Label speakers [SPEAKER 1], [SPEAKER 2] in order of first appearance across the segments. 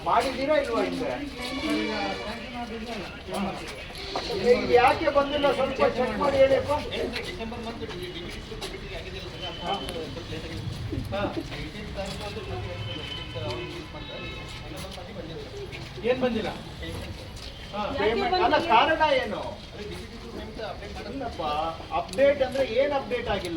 [SPEAKER 1] ಮಾಡಿದ್ದೀರಾ ಇಲ್ವಾ ಹಿಂದೆ? ಯಾಕೆ ಬಂದಿಲ್ಲ ಸ್ವಲ್ಪ ಚೆಕ್ ಮಾಡಿ ಹೇಳಿಯಪ್ಪ.
[SPEAKER 2] ಏನ್ ಬಂದಿಲ್ಲ?
[SPEAKER 1] ಅಲ್ಲ ಕಾರಣ ಏನು? ಅಪ್ಡೇಟ್ ಅಂದ್ರೆ ಏನ್ ಅಪ್ಡೇಟ್ ಆಗಿಲ್ಲ?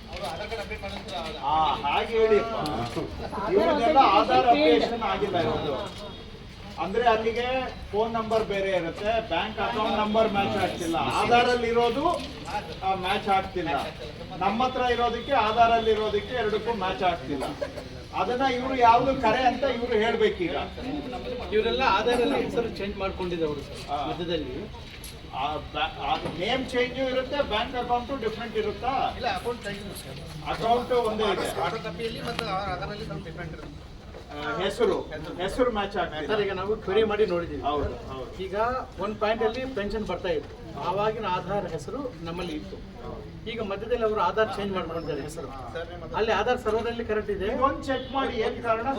[SPEAKER 1] ಹಾಗೆ ಹೇಳಿಪ್ಪ. ಇವರಿಗೆಲ್ಲ ಆಧಾರ್ ಅಪ್ಡೇಷನ್ ಆಗಿಲ್ಲ ಇರೋದು. ಅಂದ್ರೆ ಅಲ್ಲಿಗೆ ಫೋನ್ ನಂಬರ್ ಬೇರೆ ಇರುತ್ತೆ, ಬ್ಯಾಂಕ್ ಅಕೌಂಟ್ ನಂಬರ್ ಮ್ಯಾಚ್ ಆಗ್ತಿಲ್ಲ, ಆಧಾರ್ ಅಲ್ಲಿ ಇರೋದು ಮ್ಯಾಚ್ ಆಗ್ತಿಲ್ಲ, ನಮ್ಮ ಹತ್ರ ಇರೋದಕ್ಕೆ ಆಧಾರ್ ಅಲ್ಲಿ ಇರೋದಕ್ಕೆ ಎರಡಕ್ಕೂ ಮ್ಯಾಚ್ ಆಗ್ತಿಲ್ಲ. ಅದನ್ನ ಇವರು ಯಾವ್ದು ಕರೆ ಅಂತ ಇವರು ಹೇಳ್ಬೇಕೀಗ.
[SPEAKER 2] ಇವರೆಲ್ಲ ಆಧಾರ್ ಅಲ್ಲಿ ಹೆಸರು ಚೇಂಜ್ ಮಾಡ್ಕೊಂಡಿದ್ದವರು ಮಧ್ಯದಲ್ಲಿ.
[SPEAKER 1] ನೇಮ್ ಚೇಂಜ್ ಇರುತ್ತೆ, ಬ್ಯಾಂಕ್ ಅಕೌಂಟ್ ಡಿಫ್ರೆಂಟ್ ಇರುತ್ತಾ?
[SPEAKER 3] ಇಲ್ಲ,
[SPEAKER 1] ಅಕೌಂಟ್ ಒಂದೇ ಇದೆ,
[SPEAKER 3] ಆರ್ಡರ್ ಕಾಪಿಯಲ್ಲಿ ಮತ್ತು ಆಧಾರಲ್ಲಿ ಸ್ವಲ್ಪ ಡಿಫ್ರೆಂಟ್ ಇರುತ್ತೆ.
[SPEAKER 1] ಹೆಸರು ಮ್ಯಾಚ್ ಆಗ್ತದೆ.
[SPEAKER 2] ಈಗ ನಾವು ಕ್ವೆರಿ ಮಾಡಿ ನೋಡಿದ್ದೀವಿ.
[SPEAKER 1] ಹೌದು.
[SPEAKER 2] ಈಗ ಒಂದು ಪಾಯಿಂಟ್ ಅಲ್ಲಿ ಪೆನ್ಷನ್ ಬರ್ತಾ ಇತ್ತು, ಆವಾಗಿನ ಆಧಾರ್ ಹೆಸರು ನಮ್ಮಲ್ಲಿ ಇತ್ತು. ಈಗ ಮಧ್ಯದಲ್ಲಿ ಅವರು ಆಧಾರ್ ಚೇಂಜ್ ಮಾಡ್ಕೊಂಡಿದ್ದಾರೆ ಹೆಸರು. ಅಲ್ಲಿ ಆಧಾರ್ ಸರ್ವರ್ ಅಲ್ಲಿ ಕರೆಕ್ಟ್ ಇದೆ,
[SPEAKER 1] ಒಂದು ಚೆಕ್ ಮಾಡಿ ಏನ್ ಕಾರಣ.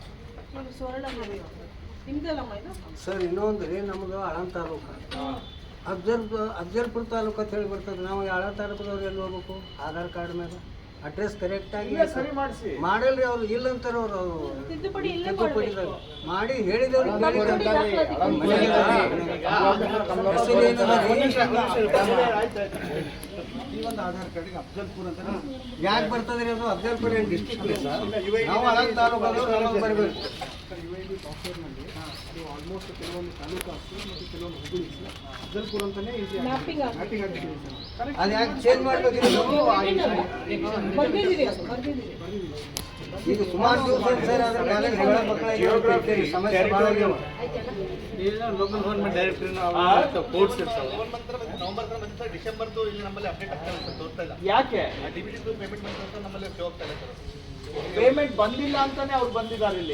[SPEAKER 4] ಸರ್ ಇನ್ನೊಂದು ರೀ, ನಮ್ಮದು ಆಳಂದ ತಾಲೂಕು, ಅಫ್ಜಲ್ಪುರ ತಾಲೂಕು ಅಂತ ಹೇಳಿ ಬರ್ತದೆ. ನಾವು ಆಳಂದ ತಾಲೂಕದವ್ರು ಎಲ್ಲಿ ಹೋಗ್ಬೇಕು? ಆಧಾರ್ ಕಾರ್ಡ್ ಮೇಲೆ ಅಡ್ರೆಸ್ ಕರೆಕ್ಟ್ ಆಗಿ
[SPEAKER 1] ಸರಿ ಮಾಡಿಸಿ.
[SPEAKER 4] ಮಾಡಲ್ರಿ ಅವ್ರು, ಇಲ್ಲ ಅಂತಾರ ಅವ್ರು ತಿದ್ದುಪಡಿ ಮಾಡಿ ಹೇಳಿದವ್ರು.
[SPEAKER 3] ಈ ಒಂದು ಆಧಾರ್ ಕಾರ್ಡಿಗೆ ಅಫ್ಜಲ್ಪುರ್ ಅಂತ
[SPEAKER 4] ಯಾಕೆ ಬರ್ತದ್ರಿ ಅದು? ಅಫ್ಜಲ್ಪುರ ಏನು ಡಿಸ್ಟ್ರಿಕ್ಟ್ ಪ್ಲೇಸ್? ನಾವು ಆಳಂದ ತಾಲೂಕದವ್ರು ನಮಗೆ ಬರಬೇಕು.
[SPEAKER 3] ಆಲ್ಮೋಸ್ಟ್ ಕೆಲವೊಂದು ತಾಲೂಕು ಆಗ್ತದೆ ಮತ್ತು ಕೆಲವೊಂದು ಹುಡುಗಿ ಅಫ್ಜಲ್ಪುರ್ ಅಂತಾನೆ ಮ್ಯಾಪಿಂಗ್ ಆಗ್ತಿದೆ.
[SPEAKER 4] ಅದು ಯಾಕೆ ಚೇಂಜ್ ಮಾಡಬೇಕಿಲ್ಲ? ಈಗ ಸುಮಾರು ದಿವಸ ಸರ್ ಅದ್ರ ಕಾಲೇಜ್ ಮಕ್ಕಳ ಸಮಸ್ಯೆ ಭಾಳ ಆಗ್ಯಾವ.
[SPEAKER 2] ಈಗ ಲೋಕಲ್ ಗೌರ್ಮೆಂಟ್ ಡೈರೆಕ್ಟರ್ ಕೋರ್ಟ್ಸ್ ಇರ್ತಾವೆ.
[SPEAKER 3] ನವೆಂಬರ್ ಡಿಸೆಂಬರ್ದು ಇಲ್ಲಿ ನಮ್ಮಲ್ಲಿ ಅಪ್ಡೇಟ್ ಆಗ್ತಾ ಇಲ್ಲ, ತೋರ್ತಾ ಇಲ್ಲ.
[SPEAKER 1] ಯಾಕೆ
[SPEAKER 3] ಡಿಬಿಟಿದು ಪೇಮೆಂಟ್ ಅಂತ ನಮ್ಮಲ್ಲಿ ಶೋ ಆಗ್ತಾ ಇಲ್ಲ ಸರ್.
[SPEAKER 1] ಪೇಮೆಂಟ್ ಬಂದಿಲ್ಲ ಅಂತಾನೆ ಅವ್ರು ಬಂದಿದ್ದಾರೆ ಇಲ್ಲಿ.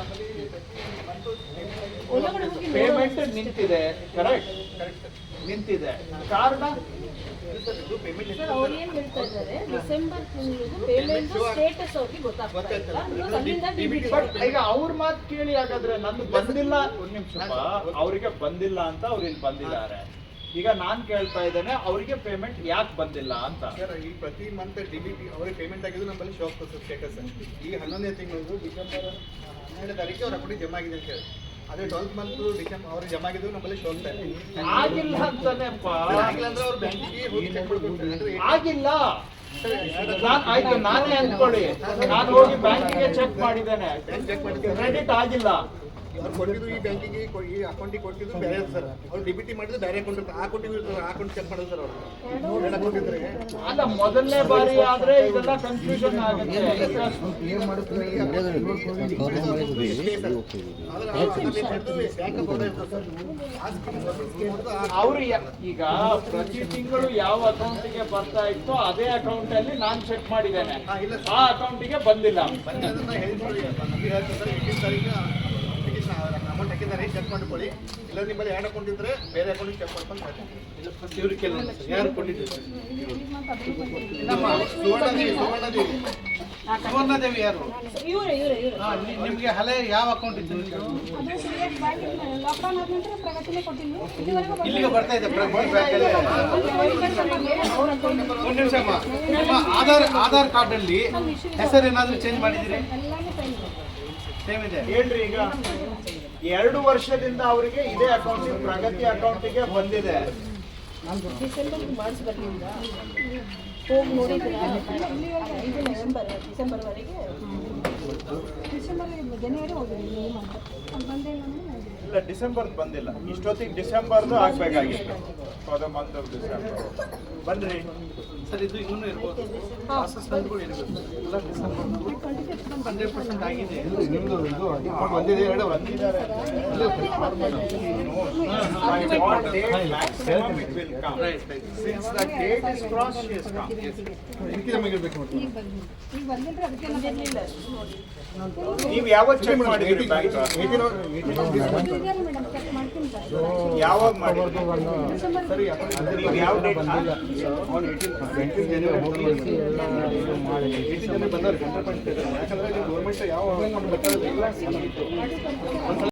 [SPEAKER 1] ಪೇಮೆಂಟ್ ನಿಂತಿದೆ, ಕರೆಕ್ಟ್ ನಿಂತಿದೆ. ಕಾರಣ
[SPEAKER 5] ಅವ್ರು ಏನ್ ಹೇಳ್ತಾ ಇದ್ದಾರೆ, ಡಿಸೆಂಬರ್ ತಿಂಗಳು ಪೇಮೆಂಟ್ ಸ್ಟೇಟಸ್ ಅವ್ರಿಗೆ ಗೊತ್ತಾಗ್ತಾ ಇಲ್ಲ.
[SPEAKER 1] ಬಟ್ ಈಗ ಅವ್ರ ಮಾತು ಕೇಳಿ, ಹಾಗಾದ್ರೆ ನಂದು ಬಂದಿಲ್ಲ. ಒಂದ್ ನಿಮಿಷ, ಅವರಿಗೆ ಬಂದಿಲ್ಲ ಅಂತ ಅವ್ರು ಇಲ್ಲಿ ಬಂದಿದ್ದಾರೆ. ಈಗ ನಾನ್ ಕೇಳ್ತಾ ಇದ್ದೇನೆ, ಅವರಿಗೆ ಪೇಮೆಂಟ್ ಯಾಕೆ ಬಂದಿಲ್ಲ ಅಂತ.
[SPEAKER 3] ಸರ್ ಈ ಪ್ರತಿ ಮಂತ್ ಡಿಬಿಟಿ ಅವರಿಗೆ ಪೇಮೆಂಟ್ ಆಗಿದ್ದು ನಮ್ಮಲ್ಲಿ ಶೋ ಆಗ್ತದೆ ಸರ್ ಸ್ಟೇಟಸ್. ಈಗ 11ನೇ ತಿಂಗಳು ಡಿಸೆಂಬರ್ 12ನೇ ತಾರೀಕು ಅವ್ರ ಅಕೌಂಟಿಗೆ ಜಮಾ ಆಗಿದೆ ಅಂತ ಹೇಳಿ, ಅದೇ 12th ಮಂತ್ ಡಿಸೆಂಬರ್ ಅವ್ರಿಗೆ ಜಮಾ ಆಗಿದ್ದು ನಮ್ಮಲ್ಲಿ ಶೋ ಆಗ್ತಾ ಇದೆ.
[SPEAKER 1] ಆಗಿಲ್ಲ ಅಂತಾನೆ
[SPEAKER 3] ಆಗಿಲ್ಲ ಅಂದ್ರೆ ಅವ್ರು ಬ್ಯಾಂಕಿಗೆ ಹೋಗಿ ಚೆಕ್ ಮಾಡ್ಕೊಳ್ತಾರೆ.
[SPEAKER 1] ಆಗಿಲ್ಲ. ಆಯ್ತು, ನಾನೇ ಅಂದ್ಕೊಳ್ಳಿ, ನಾನು ಹೋಗಿ ಬ್ಯಾಂಕಿಗೆ ಚೆಕ್ ಮಾಡಿದ್ದೇನೆ, ಕ್ರೆಡಿಟ್ ಆಗಿಲ್ಲ.
[SPEAKER 3] ಅವ್ರು ಕೊಟ್ಟಿದ್ದು ಈ ಬ್ಯಾಂಕಿಗೆ ಈ ಅಕೌಂಟಿಗೆ ಕೊಟ್ಟಿದ್ದು ಬೇರೆ ಸರ್. ಅವ್ರು ಡಿಬಿಟಿ ಮಾಡಿದ್ದು ಬೇರೆ ಅಕೌಂಟ್ ಇರುತ್ತೆ, ಆ ಅಕೌಂಟಿಗೆ ಇರ್ತಾರೆ, ಆ ಅಕೌಂಟ್ ಚೆಕ್ ಮಾಡೋದು ಸರ್. ಅವರು ಎರಡು ಅಕೌಂಟ್ ಇದ್ರೆ
[SPEAKER 1] ಅಲ್ಲ, ಮೊದಲನೇ ಬಾರಿ ಆದ್ರೆ ಇದೆಲ್ಲ ಕನ್ಫ್ಯೂಷನ್ ಆಗುತ್ತೆ. ಅವ್ರು ಈಗ ಪ್ರತಿ ತಿಂಗಳು ಯಾವ ಅಕೌಂಟಿಗೆ ಬರ್ತಾ ಇತ್ತೋ ಅದೇ ಅಕೌಂಟ್ ಅಲ್ಲಿ ನಾನು ಚೆಕ್ ಮಾಡಿದ್ದೇನೆ, ಆ ಅಕೌಂಟಿಗೆ ಬಂದಿಲ್ಲ. ಅಮೌಂಟ್ ಹಾಕಿದ್ದಾರೆ, ಚೆಕ್ ಮಾಡ್ಕೊಳ್ಳಿ. ಇಲ್ಲ ನಿಮ್ಮಲ್ಲಿ ಎರಡು ಅಕೌಂಟ್ ಇದ್ರೆ ಬೇರೆ ಅಕೌಂಟಿಗೆ ಚೆಕ್ ಮಾಡ್ಕೊಂಡು
[SPEAKER 2] ಇವ್ರು ಕೆಲವು ಯಾರು ಕೊಟ್ಟಿದ್ದಾರೆ? ಸುವರ್ಣದೇವಿ ಯಾರು? ನಿಮ್ಗೆ ಹಳೆ ಯಾವ ಅಕೌಂಟ್ ಇತ್ತು? ಇಲ್ಲಿಗೆ ಬರ್ತಾ ಇದೆ ಒಂದು ನಿಮಿಷ. ನಿಮ್ಮ ಆಧಾರ್ ಕಾರ್ಡ್ ಅಲ್ಲಿ ಹೆಸರು ಏನಾದ್ರು ಚೇಂಜ್ ಮಾಡಿದಿರಿ? ಸೇಮ್ ಇದೆ
[SPEAKER 1] ಹೇಳ್ರಿ. ಈಗ 2 ವರ್ಷದಿಂದ ಅವರಿಗೆ ಇದೇ ಅಕೌಂಟಿಗೆ, ಪ್ರಗತಿ ಅಕೌಂಟಿಗೆ ಬಂದಿದೆ.
[SPEAKER 5] ಡಿಸೆಂಬರ್ ಮಾಡಿಸ್ಬರ್ಲಿಲ್ಲ, ಹೋಗಿ ನೋಡಿದ್ರೆ 5 ನವೆಂಬರ್ ಡಿಸೆಂಬರ್ವರೆಗೆ, ಜನವರಿ ಹೋಗಿದ್ದೀನಿ
[SPEAKER 1] ಇಲ್ಲ, ಡಿಸೆಂಬರ್ ಬಂದಿಲ್ಲ. ಇಷ್ಟೊತ್ತಿಗೆ ಡಿಸೆಂಬರ್ದು ಆಗ್ಬೇಕಾಗಿತ್ತು, for the month of December. ಬನ್ರಿ
[SPEAKER 2] ಸರ್, ಇದು ಇನ್ನೂ ಇರ್ಬೋದು, ಪ್ರಾಸೆಸ್ಗಳು ಇರಬೇಕು. ಎಲ್ಲ ಡಿಸೆಂಬರ್ 100% ಆಗಿದೆ.
[SPEAKER 3] ಬಂದಿದೆ, ಎರಡು ಬಂದಿದ್ದಾರೆ.
[SPEAKER 1] Since the date is crossed, she has come. ನೀವು ಯಾವತ್ತು ಚೆಕ್ ಮಾಡಿದ್ರಿ ಬ್ಯಾಂಕ್? ಯಾವಾಗ ಮಾಡಿದ್ರಿ? ನೀವು ಯಾವ ಡೇಟ್?
[SPEAKER 3] ಬಂದವ್ರು ಯಾಕಂದ್ರೆ ಗೌರ್ಮೆಂಟ್ ಯಾವ